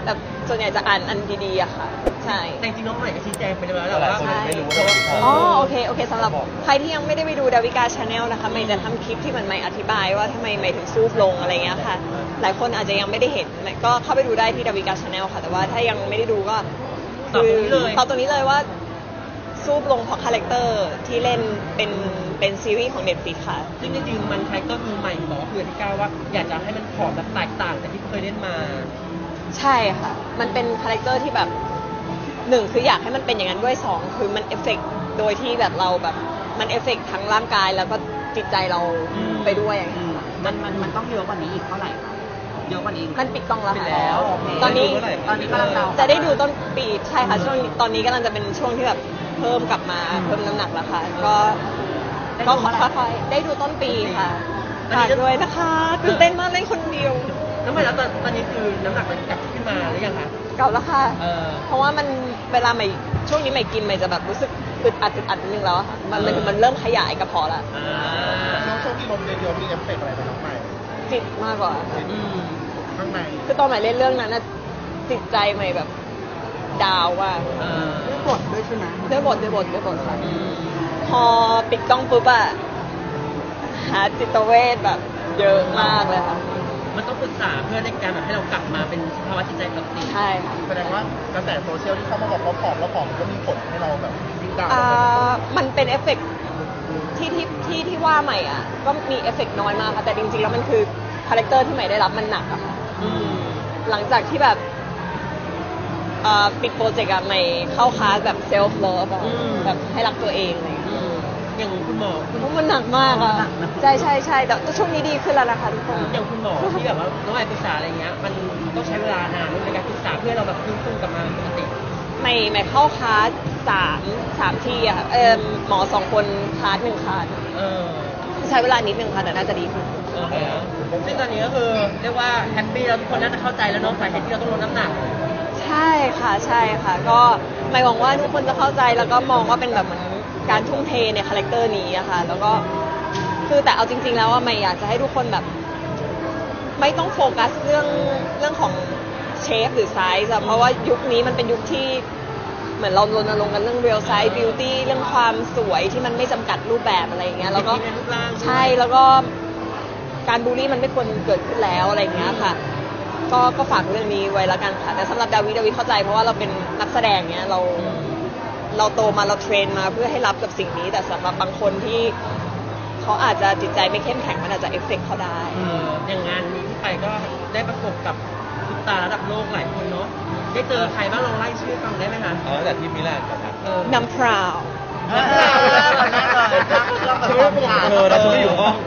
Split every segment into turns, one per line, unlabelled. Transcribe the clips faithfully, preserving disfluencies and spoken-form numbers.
แต่ส่วนใหญ่จะอ่านอันดีๆอะค่ะใช่
แต่จริงๆน้องใหม่ก็ชี้แจงไปแล้วแหละว่า
ใช่
ไม่รู้ว่า
อ๋อโอเคโอเคสำหรับใครที่ยังไม่ได้ไปดูดาวิกาชาแนลนะคะใหม่จะทำคลิปที่เหมือนใหม่อธิบายว่าทำไมใหม่ถึงซูบลงอะไรเงี้ยค่ะหลายคนอาจจะยังไม่ได้เห็นก็เข้าไปดูได้ที่ดาวิกาชาแนลค่ะแต่ว่าถ้ายังไม่ได้ดูก็คือตอบตรงนี้เลยว่าซูบลงเพราะคาแรคเตอร์ที่เล่นเป็นเป็นซีรีส์ของ Netflix ค่ะ
ซึ่งจริงๆมันใครก็มีใหม่บอกว่าคือที่ก้าวว่าอยากจะให้มันผอมแบบแตกต่างจากที่เคยเล่นมา
ใช่ค่ะมันเป็นคาแรคเตอร์ที่แบบหนึ่งคืออยากให้มันเป็นอย่างนั้นด้วยสองคือมันเอฟเฟกต์โดยที่แบบเราแบบมันเอฟเฟกต์ทั้งร่างกายแล้วก็จิตใจเราไปด้วยอย่างเงี้ย
มันมันมันต้องเยอะกว่านี้อีกเท่าไหร่คะเยอะกว่านี้อีก
มันปิดกล้องแล้ว
ปิด
ค่ะ
แล้วโอเค
ตอนนี้
ตอนนี้กำลังเรา
จะได้ดูต้นปีใช่ค่ะช่วงนี้ตอนนี้กำลังจะเป็นช่วงที่แบบเพิ่มกลับมาเพิ่มน้ำหนักแล้วค่ะก็ก็ค่อยๆได้ดูต้นปีค่ะฝากด้วยนะคะตื่นเต้นมากเล่นคนเดียว
น้องใหม่แล้วตอนตอนนี้คือน้ำหนักมันกลับขึ้นมาหรือยังคะ
เก่าแล้วค่ะ
เออ
เพราะว่ามันเวลาใหม่ช่วงนี้ใหม่กินใหม่จะแบบรู้สึกอึดอัดอึดอัดนิดนึงแล้วอะค่ะมันมันมันเริ่มขยายกระเพาะแล้ว
อ่า
ช่วงช่วงที่ลมเยอะๆมีเอฟเฟกต์อะไรไหมน้องใหม่
จิตมากกว่าค่ะ
อืม
ข้างใน
คือตอนใหม่เล่นเรื่องนั้นน่ะจิตใจใหม่แบบดาวว่า
เออ
ด้วยบทด้วยใช่ไหม
ด้วยบทด้วยบทด้วยบทค่ะ
อืม
พอปิดกล้องปุ๊บอะหาจิตเวชแบบเยอะมากเลยค่ะ
มันต้องปรึกษาเพื่อในการแบบให้เรากลับมาเป็นสภาวะจิตใจปกติ
ใช่ค่ะ
แสดงว่ากระแสโซเชียลที่เข้ามาบอกว่าผอมแล้วผอมก็มีผลให้เราแบบยิ่งดาวน์
อ่ามันเป็นเอฟเฟกต์ที่ที่ที่ที่ว่าใหม่อ่ะก็มีเอฟเฟกต์น้อยมากค่ะแต่จริงๆแล้วมันคือคาแรคเตอร์ที่ใหม่ได้รับมันหนักอะค่ะ
อืม
หลังจากที่แบบเอ่อปิดโปรเจกต์อะใหม่เข้าคลาสแบบเซลฟ์เลิฟอะแบบให้รักตัวเองอะไรอย่างเลย
อืมอย่างคุณหมอคุณ
เพราะมันหนักมากอะใช่ใช่ใช่แต่ช่วงนี้ดีขึ้นแล้วนะคะทุกคน
อย่างคุณหมอที่แบบว่าน้องใหม่ปรึกษาอะไรเงี้ยมันต้องใช้เวลานานในการปรึกษาเพื่อเราแบบฟื้นฟูกลับมาปกติ
ใหม่ใหม่เข้าคลาสสามสามที่อะค่ะเออหมอสองคนคลาสหนึ่งคลาส
เออ
ใช้เวลานิดนึงค่ะแต่น่าจะดีขึ้น
โอเคซึ่งตอนนี้ก็คือเรียกว่าแฮปปี้แล้วทุกคนน่าจะเข้าใจแล้วเน้องสาเหตุที่เราต้องลดน้ำหนัก
ใช่ค่ะใช่ค่ะ ก็หมายหวังว่าทุกคนจะเข้าใจแล้วก็มองว่าเป็นแบบเหมือนการทุ่มเทในคาแรคเตอร์นี้อะค่ะแล้วก็คือแต่เอาจริง ๆ แล้วว่าไม่อยากจะให้ทุกคนแบบ ไม่ต้องโฟกัสเรื่องเรื่องของเชฟหรือไซส์อะเพราะว่ายุคนี้มันเป็นยุคที่เหมือนเรารณรงค์กันเรื่อง real size beauty เรื่องความสวยที่มันไม่จำกัดรูปแบบอะไรอย่างเงี้ยแล้วก็
ในรูปร่างด้วย
ใช่แล้วก็การบูลลี่มันไม่ควรเกิดขึ้นแล้วอะไรอย่างเงี้ยค่ะ ก็ก็ฝากเรื่องนี้ไว้แล้วกันค่ะแต่สำหรับดาวิดาวิเข้าใจเพราะว่าเราเป็นนักแสดงเนี้ยเราเราโตมาเราเทรนมาเพื่อให้รับกับสิ่งนี้ แต่สำหรับบางคนที่เขาอาจจะจิตใจไม่เข้มแข็งมันอาจจะเอฟเฟกต์เขาได้
เอออย่างงานนี้ที่ไปก็ได้ประกบกับซุปตาร์ระดับโลกหลายคนเนาะได้เจอใครบ้างลองไล่ชื่อฟังได้ไหมคะ
เออแต่ที่มิลานกับครับ
เออ
น้ำพราว
เออแน่เลยตั้งเครื่องแบบความขาด
เออแต่ฉันไม่อยู่ห้อง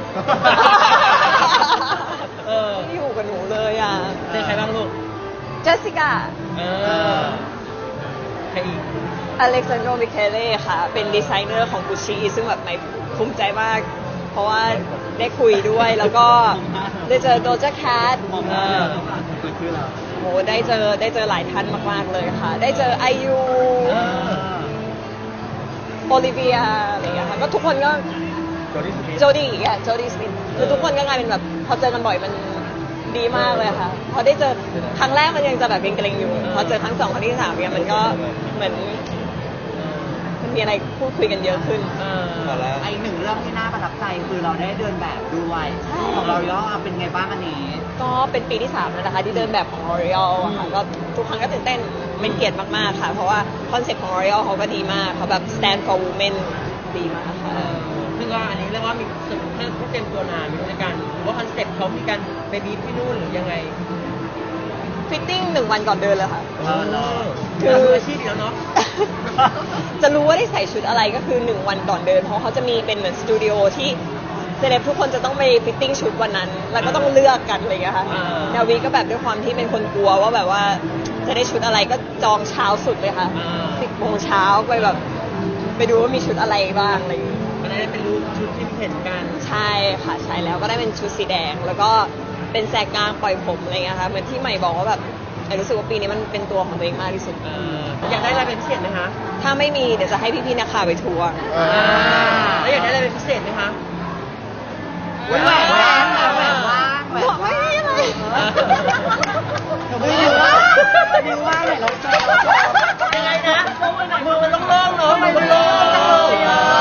เออ
ไม่อยู่กับหนูเลยอ่ะ
เจอใครบ้างลูก
เจสสิก้า
เออใครอีก
อเล็กซานโดมิเคเล่ค่ะ เป็นดีไซเนอร์ของกุชชี่ซึ่งแบบไม่ภูมิใจมาก เพราะว่าได้คุยด้วย แล้วก็ได้เจอโดจาแคท
เออ
โหได้เจอได้เจอหลายท่านมากๆเลยค่ะ ได้เจอไอยู
เออ
โอลิเวียอะไรอย่างเงี้ยค่ะก็ทุกคนก็
โจดี้สมิธ
โจดี้อ่ะโจดี้สมิธคือทุกคนก็กลายเป็นแบบพอเจอกันบ่อยมันดีมากเลยค่ะ พอได้เจอครั้งแรกมันยังจะแบบเกรงๆอยู่ พอเจอครั้งสองครั้งที่สามเนี่ยมันก็เหมือนมันมีอะไรพูดคุยกันเยอะขึ้น
เออ
พอแล้ว
ไอหนึ่งเรื่องที่น่าประทับใจคือเราได้เดินแบบด้วยของเราย่อเป็นไงบ้างอันนี้
ก็เป็นปีที่สามแล้วนะคะที่เดินแบบของ L'Oreal อะค่ะก็ทุกครั้งก็ตื่นเต้นเป็นเกียรติมากๆค่ะ เพราะว่าคอนเซ็ปต์ของ L'Oreal เขาก็ดีมากเขาแบบ stand for women ดีมากค่ะ
เออซึ่งก็อันนี้เรียกว่ามีสึกให้ผู้เต็มตัวนานในการว่าคอนเซ็ปต์เขามีการไปบีบที่นู่นหรือยังไง
ฟิตติ้งหนึ่งวันก่อนเดินเลยค่ะ
เออ
คือ
คืออาชีพแล้วเนาะ
จะรู้ว่าได้ใส่ชุดอะไรก็คือหนึ่งวันก่อนเดิน เพราะเขาจะมีเป็นเหมือนสตูดิโอที่เซเลบทุกคนจะต้องไปฟิตติ้งชุดวันนั้น แล้วก็ต้องเลือกกันอะไรอย่างเงี้ยค่ะ
อ่า
ดาวีก็แบบด้วยความที่เป็นคนกลัวว่าแบบว่าจะได้ชุดอะไรก็จองเช้าสุดเลยค่ะ
อ่า
สิบโมงเช้าไปแบบ ไปดูว่ามีชุดอะไรบ้างอะไรอย่างเงี้ย
มันได้เป็นรูปชุดที่เห็นกัน
ใช่ค่ะใช่แล้วก็ได้เป็นชุดสีแดง แล้วก็เป็นแสกกลางปล่อยผมอะไรเงี้ยค่ะเหมือนที่ใหม่บอกว่าแบบไอ้รู้สึกว่าปีนี้มันเป็นตัวของตัวเองมากที่สุด
เอออยากได้อะไรเป็นพิเศษไหมคะ
ถ้าไม่มีเดี๋ยวจะให้พี่ๆนักข่าวไปทัวร์
อ่า
แล้วอยากได้อะไรเป็นพิเศษไหมคะ
แหวนว่างแหวนว่างแหวน
บอกไม่
ว่าง
มีอะไร
เออ
ไม่รู้ว่าบิวว่าไหนเราโชว์
ยังไงนะมือมันโล่งๆเนาะมือมันโล่งจังเลยอ่ะ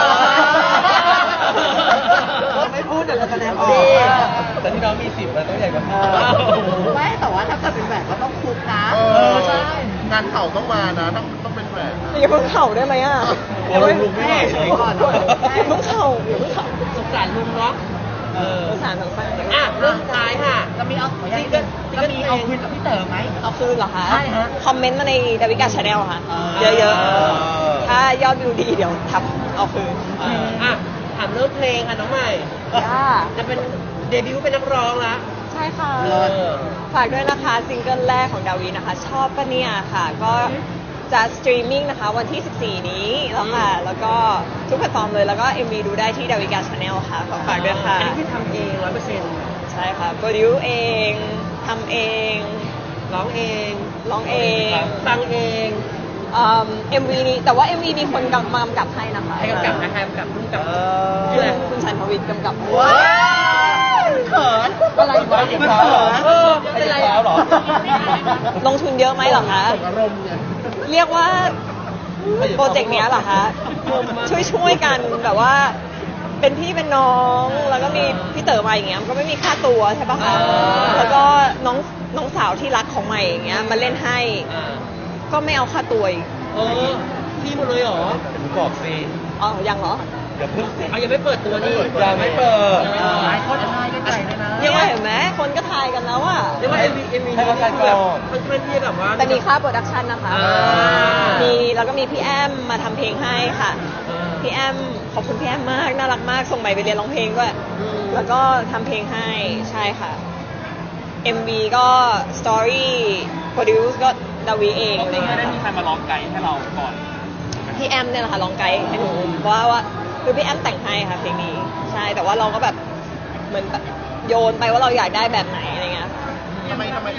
ไม่พูดเดี๋ยวเราแสดงออก
แต่ที่น้องมีสิบมันต้องใหญ่กว่า
ไม่แต่ว่าถ้าเกิดเป็นแหวนก็ต้องคุกนะ
เออใช่ งานเข่าต้องมานะ ต้องต้องเป็นแหวน
อย่าเพิ่งเข่าได้ไหมอ่ะ
โอ้ยลุกไม่ไหวเลย
อย่าเพิ่งเข่าอย่าเพิ่งเข่า
สงสารลุงเนาะเออ
สงสารสงสาร
อ่ะเรื่องสุดท้ายค่ะ
จะมีเอาซิงเกิลจะมีเอาคืนกับพี่เต๋อไหม
เอาคืนเหรอคะ
ใช่ฮะ
คอมเมนต์มาในดาวิกาชาแนลค่ะ
อ่า
เยอะๆ ถ้ายอดวิวดีเดี๋ยวทับเอาคืน
อ่ะถามเรื่องเพลงค่ะน้องใหม่
จ้า
จะเป็นเดบิวต์เป็นนักร้องละ
ใช่ค่ะ
เออ
ฝากด้วยนะคะซิงเกิลแรกของดาวีนะคะ ชอบปะเนี่ยค่ะ ก็จะสตรีมมิ่งนะคะวันที่ สิบสี่ นี้แล้วค่ะ แล้วก็ทุกแพลตฟอร์มเลย แล้วก็ เอ็ม วี ดูได้ที่ดาวิกาชาแนลค่ะขอฝากด้วยค่ะ
อันนี้คือทำเองร้อยเปอร์เซ็นต์
ใช่ค่ะโปรดิวเองทำเอง
ร้องเอง
ร้องเอง
ฟังเอง
เอ็มวีนี้แต่ว่า เอ็ม วี มีคนกำมากำกับให้นะคะ
ให้กำกับนะให้กำกับพุ่งกับ
คุณคุณชันทวิทย์กำกับ
ว้าวเขินอะไรวะ
มันเขิน
เออเป็นไร
แล้วเหรอ
ลงทุนเยอะไหมเหรอคะ
ส่งอารมณ์ไง
เรียกว่าโปรเจกต์เนี้ยเหรอคะ ช่วยช่วยๆกันแบบว่า เป็นพี่เป็นน้องแล้วก็มีพี่เต๋อมาอย่างเงี้ยมันก็ไม่มีค่าตัวใช่ปะคะ
อ่า
แล้วก็น้องน้องสาวที่รักของใหม่อย่างเงี้ยมาเล่นให้
อ่า
ก็ไม่เอาค่าตัวอีก
เออพี่หมดเลยเหรอ
บอกสิ
อ๋อยังเหรอ
เดี๋ยวเพิ่งสิ
เอายังไม่เปิดตัวนี่
ยังไม่เปิด
เออ
หลายคนทายกันใหญ่เลยนะ
เนี่ยเห็นไหมคนก็ทายกันแล้วอะ
เรียกว่า เอ็ม วี เอ็ม วี
ให้
นี้
เขา
คือแบบ
ก่อน
มันเป็นที่แบบว่า
แต่มีค่าโปรดักชันนะคะ
อ่ามี
มีแล้วก็มีพี่แอมมาทำเพลงให้ค่ะ
อ่า
พี่แอมขอบคุณพี่แอมมากน่ารักมากส่งใหม่ไปเรียนร้องเพลงด้วย
อืม
แล้วก็ทำเพลงให้ใช่ค่ะ เอ็ม วี ก็สตอรี่โปรดิวซ์ก็ดาวีเองอะไรเงี้ย
ได้มีใครมาร้องไกด์ให้เราก่อน
พี่แอมเนี่ยแหละค่ะลองไกด์ให้หนูว่าว่าคือพี่แอมแต่งให้ค่ะเพลงนี้ใช่แต่ว่าเราก็แบบเหมือนแบบโยนไปว่าเราอยากได้แบบไหนอะไรเงี้ยค่ะ
ทำไมทำไม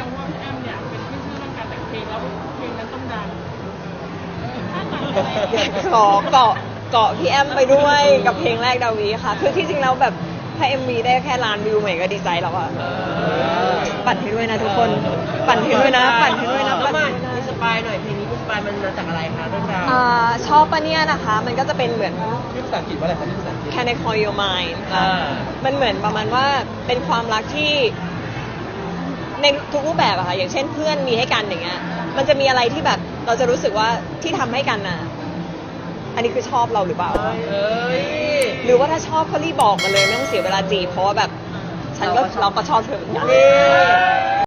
ขอเกาะเกาะพี่แอมไปด้วยกับเพลงแรกดาวีค่ะ คือที่จริงแล้วแบบถ้า เอ็ม วี ได้แค่ล้านวิวใหม่ก็ดีใจแล้วอะ
เออ
ปั่นให้ด้วยนะทุกคน ปั่นให้ด้วยนะ ปั่นให้ด้วยนะ
แล้ว
ปั่น
มา
ให้ด้วย
อินส
นะ
ปายหน่อยเพลงนี้อินสปายมันมาจากอะไรคะเรื่องราว
อ่าชอบปะเนี่ยนะคะ มันก็จะเป็นเหมือน
ชื่อภาษาอังกฤษว่าอะไรคะชื่อภาษาอังกฤษ
Can I call your mind ค่ะ
อ่า
มันเหมือนประมาณว่าเป็นความรักที่ในทุกรูปแบบอะค่ะ อย่างเช่นเพื่อนมีให้กันอย่างเงี้ย มันจะมีอะไรที่แบบเราจะรู้สึกว่าที่ทำให้กันน่ะ อันนี้คือชอบเราหรือเปล่า
เอ้ย
หรือว่าถ้าชอบก็รีบบอกมาเลยไม่ต้องเสียเวลาจีบเพราะว่าแบบ ฉันก็เราก็ชอบเธอเหมือนกัน
นี่